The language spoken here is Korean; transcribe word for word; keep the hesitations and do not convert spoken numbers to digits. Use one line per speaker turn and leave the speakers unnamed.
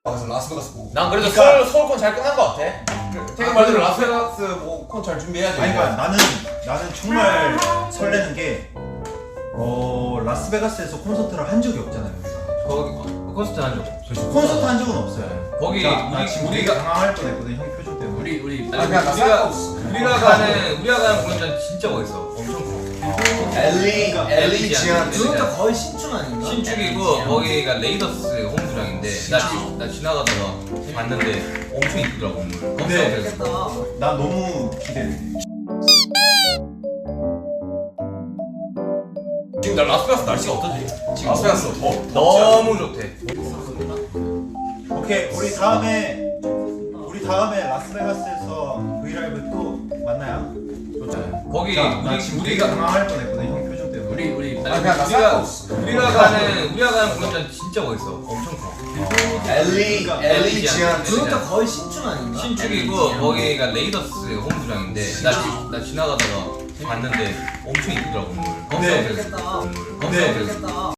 그래서 라스베가스 보고.
난 그래도
그러니까,
서울 서울 건 잘 끝난 것 같아. 태경 말대로 라스베가스 뭐콘잘 준비해야지.
아니 그러니까 나는 나는 정말 설레는 게 어, 라스베가스에서 콘서트를 한 적이 없잖아요 우리가.
거기 콘서트 한 적 없어.
콘서트 한 적은 없어요.
거기
자, 나
우리
지금
우리가
당황할 뻔했거든 형 표정 때문에.
우리 우리
아니 그냥 나
우리가
상관없어.
우리가 가는 우리가 가는 공연장 진짜 멋있어. 엄청 커.
엘리 엘리 지안.
그것도 거의 신축 아닌가?
신축이고 거기가 레이더스 홈구장인데 나, 지, 나 지나가다가 봤는데 엄청 이쁘더라고 건물.
근데
좋겠다.
나 너무 기대돼.
지금 나 라스베가스 날씨가 어떠지? 지금
라스베가스 더
너무 좋대.
오케이 우리 다음에 우리 다음에 라스베가스에서 브이라이브 또 만나요.
좋잖아요. 거기
자, 나
우리
지금
우리가
당황할 뻔했거든 형 표정 때문에.
우리 우리
아니 그냥 나
우리가
상관없어.
우리가 가는 우리가 가는 공연장 진짜 멋있어. 엄청 커.
엘리 엘리 지안.
그것도 거의 신축 아닌가?
신축이고 거기가 레이더스 홈구장인데 나, 지, 나 지나가다가 봤는데 엄청 이쁘더라고 건물.
네.
건물.
좋겠다.
건물.
네.
건물.
좋겠다.